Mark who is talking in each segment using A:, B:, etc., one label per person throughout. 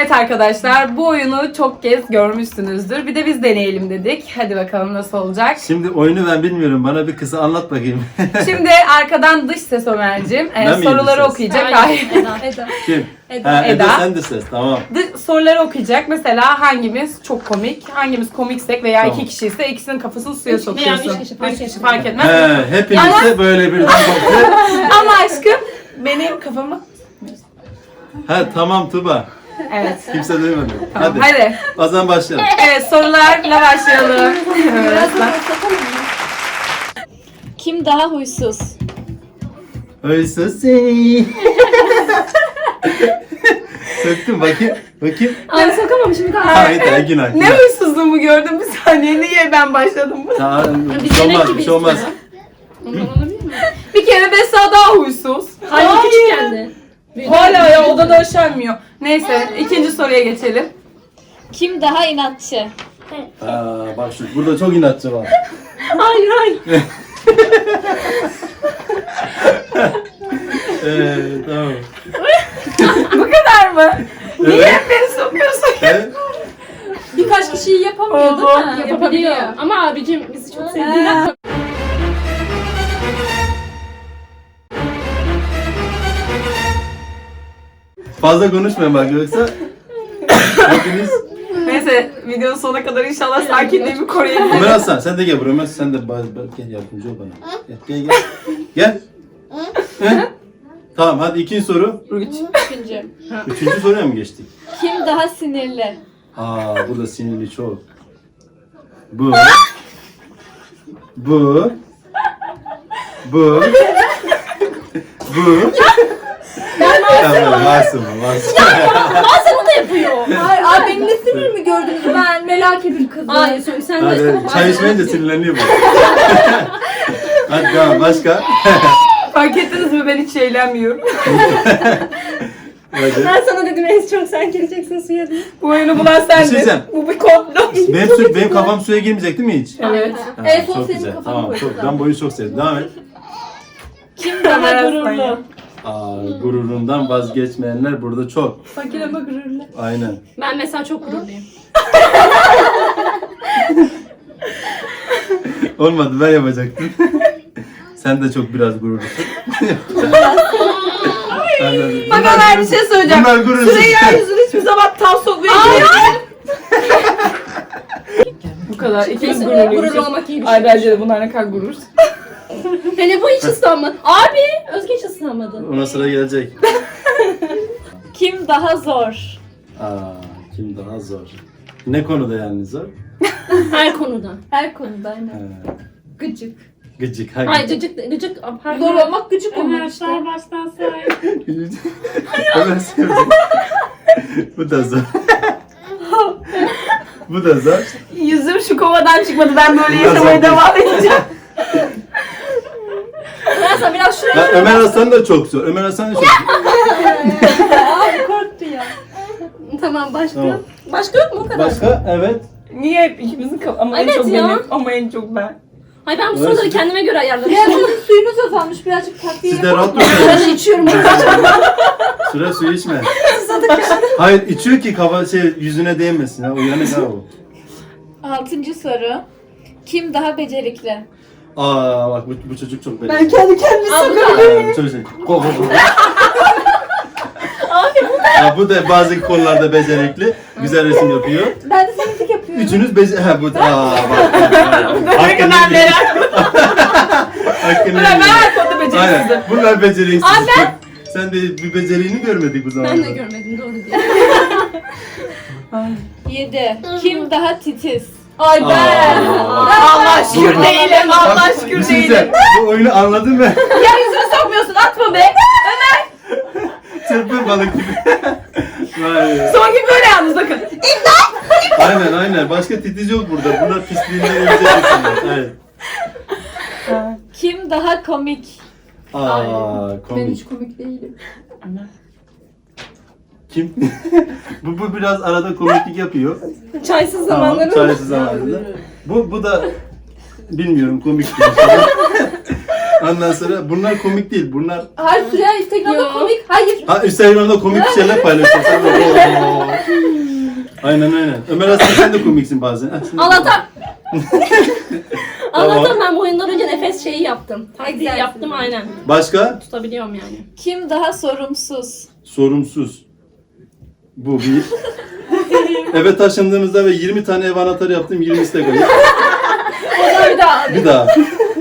A: Evet arkadaşlar, bu oyunu çok kez görmüşsünüzdür. Bir de biz deneyelim dedik. Hadi bakalım nasıl olacak.
B: Şimdi oyunu ben bilmiyorum. Bana bir kısa anlat bakayım.
A: Şimdi arkadan dış ses Ömer'cim
B: Ben miyim
A: soruları
B: dış ses?
A: okuyacak. Hayır.
C: Eda.
B: Kim?
C: Eda.
B: Ha, Eda.
A: Eda.
B: Sen de ses. Tamam.
A: Soruları okuyacak. Mesela hangimiz çok komik, hangimiz komiksek veya
B: Tamam.
A: iki kişiyse ikisinin kafasını suya
C: Veya
A: sokuyorsun.
C: üç kişi fark
A: Üç kişi
C: etmez.
A: fark etmez.
B: Hepinize böyle bir bakı.
A: Ama aşkım benim kafamı...
B: Ha tamam Tuba.
A: Evet.
B: Kimse duymadı.
A: Tamam,
B: Hadi.
A: hadi.
B: O zaman başlayalım.
A: Evet, sorularla başlayalım.
C: Biraz da başlatalım mı? Kim daha huysuz?
B: Öyleyse seni. Söktüm bakayım. Bakayım.
C: Ay sokamamışım bir daha.
B: Hayır günah.
A: Ne huysuzluğumu gördüm bir saniye. Niye ben başladım bu?
B: Tamam.
C: Bir
B: Bir şey
C: denek
B: olmaz.
C: gibi
B: Bir şey olmaz.
C: istiyor. Ondan olabilir mi?
A: Bir kere Besa daha huysuz.
C: Hayır küçük geldi.
A: Hala ya odada üşenmiyor. Neyse ikinci soruya geçelim.
C: Kim daha inatçı?
B: Bak burada çok inatçı var.
C: Hayır hayır.
B: Tamam.
A: Bu kadar mı? Niye
B: Evet.
A: hep beni sokuyorsun?
B: Evet.
C: Birkaç kişiyi yapamıyor değil mi?
A: Oho.
C: Yapabiliyor. Ama abicim bizi çok sevdiğinden.
B: Fazla konuşmayın bak yoksa hepiniz.
A: Neyse videonun sonuna kadar inşallah sakinliğimi koruyabilirim.
B: Ömer Aslan sen de gel buraya. Ömer sen de gel yardımcı ol bana. Gel. Gel. He? Tamam hadi ikinci soru.
A: Üç.
C: Üçüncü.
B: Üçüncü soruya mı geçtik?
C: Kim daha sinirli?
B: Burada sinirli çok. Bu. Bu. Bu. Bu. Masum.
C: Bazen o da yapıyor.
D: Hayır abi benim de sinir mi gördünüz? Ben merak ettim kızı.
C: Hayır sen de.
B: Hadi çay içmeyince sinirleniyor bu. Hadi tamam başka.
A: Fark ettiniz mi ben hiç eğlenmiyorum.
B: Hadi.
C: Ben sana dedim en çok sen gireceksin suya diye.
A: Bu oyunu bulan
B: Bir şey
A: sendin.
B: diyeceğim.
A: Bu bir komplo.
B: Benim kafam suya girmeyecek değil mi hiç?
A: Evet.
D: En son
B: çok
D: senin
B: güzel.
D: kafanı
B: Tamam
D: koydum
B: çok. Ben bu oyunu çok sevdim. Devam et.
C: Kim daha
A: Ömer
C: gururlu?
A: Aslan.
B: Gururundan vazgeçmeyenler burada çok.
D: Fakir ama gururlu.
B: Aynen.
C: Ben mesela çok gururluyum.
B: Olmadı ben yapacaktım. Sen de çok biraz gururlusun.
A: Bak Ömer bir şey söyleyeceğim.
B: Bunlar gurursuz.
A: Süreyya yüzünü hiçbir zaman tam sokmaya Bu kadar. İkimiz gururluyuz.
C: Gururlu olmak iyi bir şey.
A: Ay bence de bunlar ne kadar gurur.
C: Hele bu hiç ıslanmadı. Abi Özge hiç ıslanmadı.
B: Ona sıra gelecek.
C: Kim daha zor?
B: Kim daha zor? Ne konuda yani zor?
C: Her konuda.
D: Her konuda aynen.
B: Ha,
D: Gıcık.
B: gıcık.
C: Ay gıcık.
D: Zor olmak gıcık olmak işte.
C: baştan say.
B: Hemen sevdim. Bu da zor. Bu da zor.
A: Yüzüm şu kovadan çıkmadı. Ben böyle
B: Biraz
A: yaşamaya
B: zor.
A: devam edeceğim.
C: Neyse biraz şuraya.
B: Ya, Ömer Aslan da çok zor. Ömer Aslan da çok zor.
D: Abi korktu ya.
C: Tamam başka.
B: Tamam.
C: Başka yok mu o kadar?
B: Başka? Evet.
A: Niye hep ikimizin ama en
C: Evet
A: çok
C: ya.
A: benim ama en çok ben.
C: Ay ben bu
B: Evet.
C: soruları kendime göre ayarladım.
D: Ya sizin suyunuz azalmış birazcık takviye
B: Siz de
D: yapalım.
B: rahat mısınız?
C: Ben içiyorum.
B: Süre suyu içme. Hayır içiyor ki kafa yüzüne değmesin. Ha, uyanık ha o.
C: 6. soru. Kim daha becerikli?
B: Bak bu çocuk çok belli.
D: Ben kendi kendime
B: Bu çocuk. Go. Bu da bazı konularda becerikli. Güzel resim yapıyor.
D: Ben de senetik yapıyorum.
B: Üçünüz bak.
A: Bakın ben merak
B: Hakkını
A: Ben her konuda beceriksizim.
B: Aynen. Bunlar beceriksiz. Sen de bir beceriğini görmedik bu zamanda.
C: Ben de görmedim doğru diye. 7. Kim daha titiz?
D: Ay ben.
A: Allah şükür
B: Dur.
A: değilim. Allah
B: Bir
A: şükür
B: şey
A: değilim.
B: diyeceğim. Bu oyunu anladın mı?
A: Ya yüzünü sokmuyorsun. Atma be.
B: Çırpın balık gibi. Vay.
A: Son gün böyle yalnız bakın.
B: Aynen. Başka titiz yok burada. Bunlar pisliğinden ölecek insanlar. Evet.
C: Kim daha komik?
D: Ben
B: Komik.
D: hiç komik değilim.
B: Kim? bu biraz arada komiklik yapıyor.
C: Çaysız
B: Tamam,
C: zamanları.
B: çaresiz zamanında. Bu da bilmiyorum komik değil. Ondan sonra bunlar komik değil. Bunlar
D: Hayır Süreyya Instagram'da
C: Yok.
D: komik. Hayır.
B: Instagram'da komik şeyler paylaşıyor. Sen de, Aynen. Ömer aslında sen de komiksin bazen. Ha, sen de-
C: Allah'tan.
B: Tamam.
C: Allah'tan ben bu oyundan önce nefes şeyi yaptım. Taktiği
D: Egzersiz.
C: yaptım aynen.
B: Başka?
C: Tutabiliyorum yani.
D: Kim daha sorumsuz?
B: Sorumsuz. Bu bir. Eve taşındığımızda ve 20 tane ev anahtarı yaptım. 20'si de kayıp.
D: Bir daha.
B: Bir daha.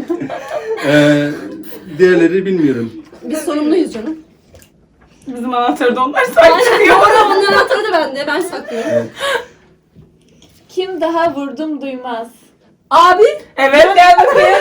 B: Diğerleri bilmiyorum.
C: Biz sorumluyuz canım.
A: Bizim anahtarı da onlar sanki çıkıyor.
C: Doğru, onun anahtarı da bende. Ben saklıyorum.
B: Evet.
D: Kim daha vurdum duymaz?
C: Abi.
A: Evet gel bakayım.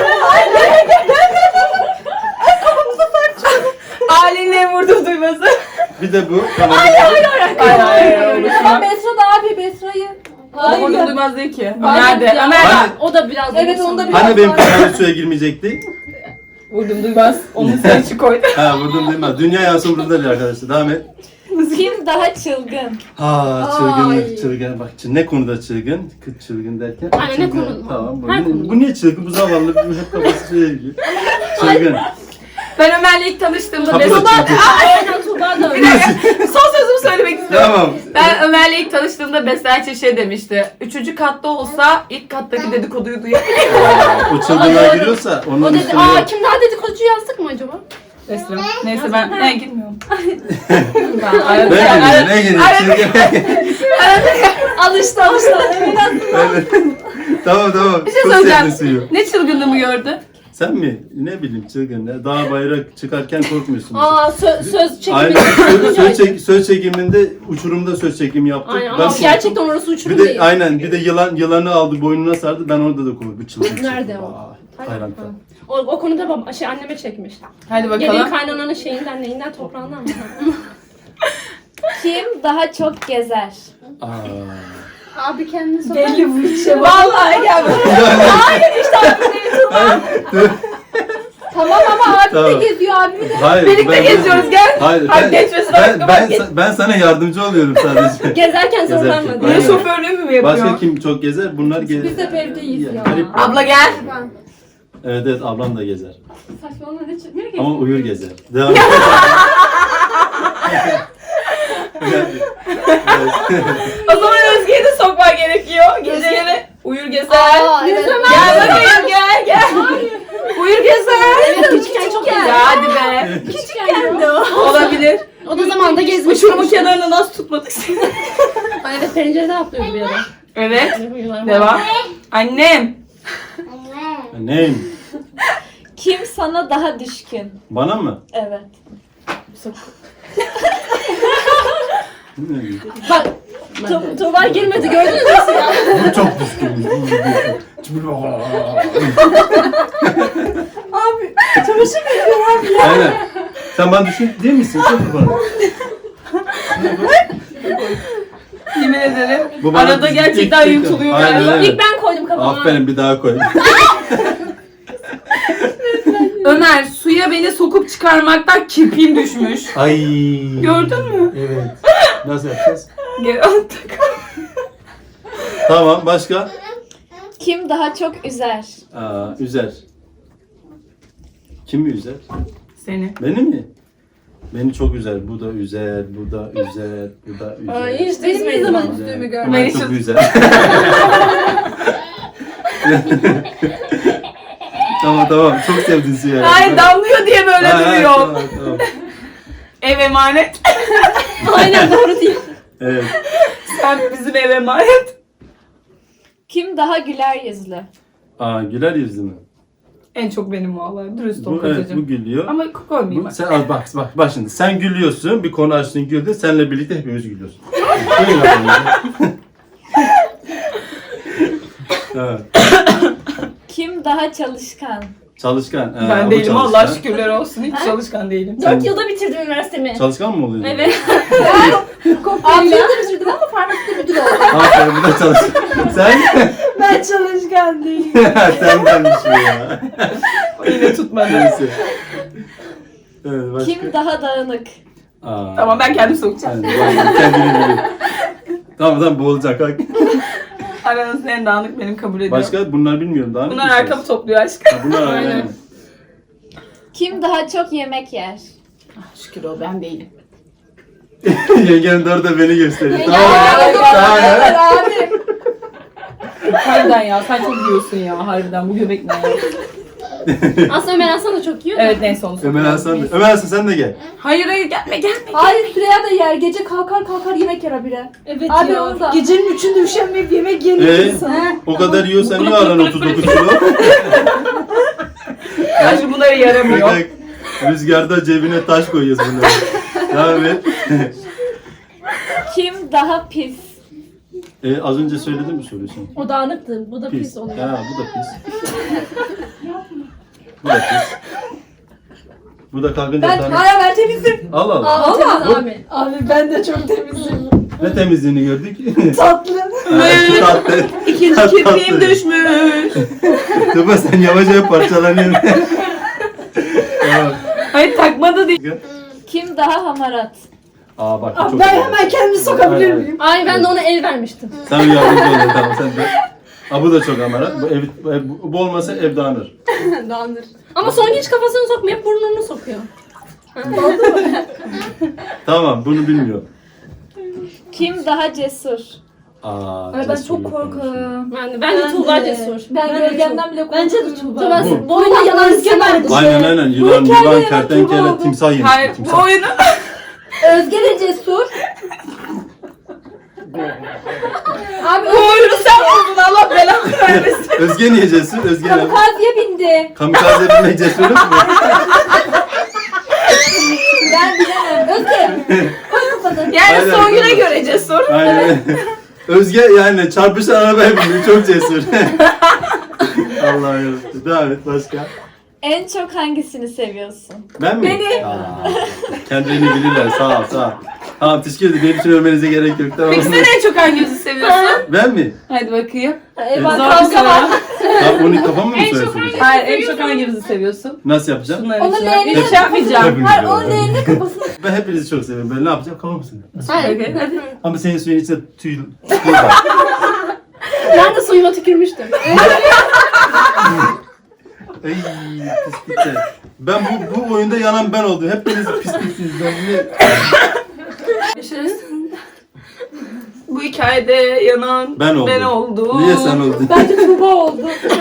A: Ailenle vurdu duyması.
B: Bir de bu. Tamam.
A: Hayır.
D: Ama Besra da abi Besra'yı.
A: Hayır. Vurdu duymaz değil ki.
C: Hayır
A: Nerede?
C: ya,
A: Ömer.
B: Hani-
C: O da biraz.
D: Evet,
C: duygusal.
D: onda biraz-
B: Hani benim kafam suya girmeyecekti?
A: Vurdum duymaz. Onun sen için koydu.
B: Ha vurdum değil mi? Dünya yansın burada arkadaşlar. Devam et.
D: Kim daha çılgın?
B: Ha
C: Ay.
B: çılgın. Bak ne konuda çılgın? Kız çılgın derken.
C: Aynen, ne
B: çılgın.
C: konu?
B: Tamam.
C: Her konuda.
B: Bu niye çılgın? Bu zavallı. Bu hep kafası suya giriyor. Çılgın.
A: Ben Ömer'le ilk tanıştığımda
B: Kapıda
A: Tuğba...
B: çılgın.
C: Aynen Tuğba da öyle.
A: Son sözümü söylemek istiyorum.
B: Tamam.
A: Ben Ömer'le ilk tanıştığımda Beslerçe şey demişti. 3. katta olsa ilk kattaki dedikoduyu duyabilirim.
B: O çılgınlığa giriyorsa
C: O
B: onun
C: dedi,
B: üstüne
C: aa
B: yok.
C: kim daha dedikoducu yazdık mı acaba?
A: Esra. Neyse ben girmiyorum.
B: Ne giriyor? Çılgın.
D: Alıştı.
B: Evet. Tamam.
A: Bir şey
B: Çok
A: söyleyeceğim.
B: sevdin suyu.
A: Ne çılgınlığımı gördü?
B: Sen mi? Ne bileyim çılgın. Ya. Dağ bayrak çıkarken korkmuyorsun.
C: Aa söz
B: Aynen.
C: çekimi.
B: Söz çekiminde uçurumda söz çekimi yaptık.
C: Aynen
B: Ben
C: ama
B: korktum.
C: gerçekten orası uçurum
B: Bir de
C: değil.
B: aynen bir de yılanı aldı boynuna sardı. Ben orada da korktum. Bu çılgın.
C: Nerede o?
B: Vay, Tayland'da.
C: O konuda anneme çekmiş.
A: Hadi
C: Gelin
A: bakalım.
C: kaynananın şeyinden neyinden toprağından mı?
D: Kim daha çok gezer?
B: Aa.
C: Abi kendini sor.
A: Belli bu işe. Vallahi gel.
D: Tamam ama abi
B: Tamam.
D: de geziyor abi de.
B: Hayır.
A: Birlikte
B: ben-
A: geziyoruz gel.
B: Hayır.
A: Hadi geçmesine bakma,
B: Ben sana yardımcı oluyorum sadece.
C: Gezerken
B: Gezerken.
C: zorlanma
A: Niye
C: diye.
B: Aynen.
A: şoförlüğümü mü yapıyor?
B: Başka kim çok gezer? Bunlar gezer.
D: Biz hep evdeyiz ya.
B: Garip.
A: Abla gel.
B: Evet ablam da gezer.
C: Saçmalama ne nereye
B: Ama uyur gezer. Devam et.
A: O zaman Özge'yi de sokman gerekiyor. Geceleri uyur gezer.
D: Aa, evet.
A: Gel bakayım gel. Uyur gezer.
C: Evet, küçükken çok
A: Ya
C: güzel.
A: hadi be.
C: Küçükken de o.
A: Olabilir.
C: O da zamanında gezmiş.
A: Uçurumun kenarına nasıl tutmadık seni?
C: Ay, evet pencerede atlıyordu bir ara.
A: Evet.
C: Devam.
A: Devam. Annem.
B: Neyim?
D: Kim sana daha düşkün?
B: Bana mı?
D: Evet.
C: Bak Tuğba girmedi gördünüz mü ya?
B: Bu çok düşkün.
D: Abi çamaşır mı?
B: Aynen. Sen bana düşkün değil misin? Çok bana.
A: Yemin ederim.
B: Bu bana
A: Arada
B: ilk-
A: gerçekten
B: ilk-
A: yutuluyor
B: Aynen,
A: galiba.
B: aynen.
C: İlk ben koydum kafama.
B: Aferin bir daha koy.
A: Ömer suya beni sokup çıkarmaktan kirpiğim düşmüş.
B: Ay.
A: Gördün mü?
B: Evet. Nasıl yapacağız?
A: Geri attık.
B: Tamam başka?
D: Kim daha çok üzer?
B: Üzer. Kim mi üzer?
A: Seni.
B: Beni mi? Beni çok üzer. Bu da üzer, bu da üzer, bu da üzer.
C: Ay hiç
D: Benim ne zaman
C: üzmedim.
D: üzdüğümü
B: Üzer.
D: görmedim.
B: Ben
A: Beni
B: çok
A: çok-
B: üzer. Tamam. Çok sevdin Suya.
A: Ay damlıyor diye böyle duruyor.
B: Tamam.
A: Ev emanet.
C: Aynen doğru değil.
B: Evet.
A: Sen bizim ev emanet.
D: Kim daha güler yüzlü?
B: Güler yüzlü mü?
A: En çok benim vallahi. Dürüst ol
B: Bu, evet, bu
A: kocacığım.
B: gülüyor.
A: Ama koymayayım
B: Bu,
A: bak.
B: sen al bak şimdi. Sen gülüyorsun, bir konu açtın güldün, seninle birlikte hepimiz gülüyoruz. Böyle yapalım ya. Evet.
D: Kim daha çalışkan?
B: Çalışkan.
A: Ben
B: bu
A: değilim
B: çalışkan.
A: Allah şükürler olsun. Hiç çalışkan değilim.
C: 4 yılda bitirdim üniversitemi.
B: Çalışkan mı oluyorsun?
C: Evet.
D: Abi de bitirdim ama farmakta müdür oldum.
B: Aferin bu da çalışkan. Sen?
D: Ben çalışkan değilim.
B: Senden bir şey ya.
A: Yine tutmadı.
B: Neyse. Evet, başka?
D: Kim daha dağınık?
A: Tamam ben kendim sokacağım.
B: Yani, kendini biliyor. Tamam boğulacak. Bak.
A: Aranızda en dağınık benim kabul ediyorum.
B: Başka? Bunlar bilmiyorum daha.
A: Bunlar arkamı topluyor aşkım.
B: Bunlar
C: Aynen.
B: aynen.
D: Kim daha çok yemek yer?
A: Şükür o ben değilim.
B: Yengenin de orada beni gösteriyor.
C: Yenge-
B: Tamam. Tamam.
D: Abi.
A: Harbiden ya sen çok yiyorsun ya harbiden bu göbek ne ya?
C: Aslında Ömer Hasan da çok yiyor da.
A: Evet neyse onu
B: Ömer Hasan, Ömer Hasan sen de gel.
A: Hayır gelme.
D: Hayır Süreyya da yer. Gece kalkar yemek yer habire.
C: Evet
D: Abi
C: ya.
D: onu da. Gecenin 3'ünde üşenmeyip yemek yiyen
B: Ee?
D: insan.
B: O kadar yiyorsan niye aran 39 kilo?
A: Karşı bunlara yaramıyor.
B: Bak, rüzgarda cebine taş koyuyoruz bunları. Devam et.
E: Kim daha pis?
B: Az önce söyledim mi soruyorsun?
C: O dağınıktı. Bu da pis oluyor.
B: Ha, bu da pis. Bu da pis. Bu da kalkınca sana...
D: Ben temizim.
B: Al al.
C: Aa,
D: Valla.
C: temiz abi.
D: Abi ben de çok temizim.
B: Ne temizliğini gördük?
D: Tatlı.
B: Tatlı.
A: İkinci
B: Tatlı.
A: kirpiğim düşmüş.
B: Tuba sen yavaş parçalanıyorsun. Tamam.
A: Hayır takmadı değil.
E: Kim daha hamarat?
B: Aa bak bu
D: Abi
B: çok
D: ben
B: iyi.
D: hemen kendimi sokabilir
B: Hayır,
D: miyim?
C: Ay ben de ona el vermiştim.
B: Sen yardımcı ol tamam sen de. Aa bu da çok amarat. Bu olmasa ev dağınır.
C: Dağınır. Ama son hiç kafasını sokmuyor, hep burnunu sokuyor.
B: Tamam bunu bilmiyorum.
E: Kim daha cesur?
B: Aa,
D: Ay ben
B: cesur
D: çok
B: bir
D: korkarım.
C: Bence Tuğba cesur.
D: Ben gölgemden bile korkuyorum.
C: Bence de Tuğba.
D: Tuğba
C: Bu
D: bu
C: oyunda yalan
D: Özge vardı.
B: Aynen yılan,
D: hikayede
B: yılan,
D: evet,
B: kertenkele,
D: Tuğba bu.
B: timsah yemiş.
A: Hayır bu
B: Timsah.
A: oyunu.
D: Özge de cesur. Abi
A: Bu oyunu sen buldun Allah belanı vermesin.
B: Özge niye cesur? Özge ne?
D: kamikaziye bindi.
B: Kamikaze binmek cesurluk mu?
D: Ben bilemem. Özge. Koy kafanı.
A: Yani
B: Aynen,
A: son güne
B: aynen.
A: göre cesur.
B: Aynen. Özge yani çarpışan arabaya bindi. Çok cesur. Allah'ım yarabbim. Devam et başka.
E: En çok hangisini seviyorsun?
B: Ben mi?
D: Beni.
B: Kendilerini bilirler. Sağ ol. Tamam teşekkür ederim. Benim için ölmenize gerek yok. Tamam
A: Peki
B: mı?
A: sen en çok hangimizi seviyorsun?
B: Ben mi?
A: Hadi bakayım.
D: Ben
A: Zor bir
D: kavga
A: soru.
D: var.
B: Tamam onu kafamı mı söylüyorsun?
A: Hayır en çok hangimizi seviyorsun?
B: Nasıl yapacağım?
A: Bunların
D: Onun
A: içine.
D: leğenini
A: Hiç yapmayacağım.
B: Hepiniz
D: Hayır
B: biliyorlar.
D: onun leğenini kafasına.
B: Ben hepinizi çok seviyorum. Ben ne yapacağım? Kafamı mısın?
C: Hayır.
A: Okey, hadi.
B: Ama senin suyun içinde tüy var.
C: Ben de suyuma tükürmüştüm.
B: Ey pislikler. Ben bu oyunda yanan ben oldum. Hepiniz pisliksiniz. Ben niye...
A: Görüşürüz. Bu hikayede yanan
B: Ben oldum.
A: ben oldum.
B: Niye sen oldun?
D: Bence Tuğba oldu.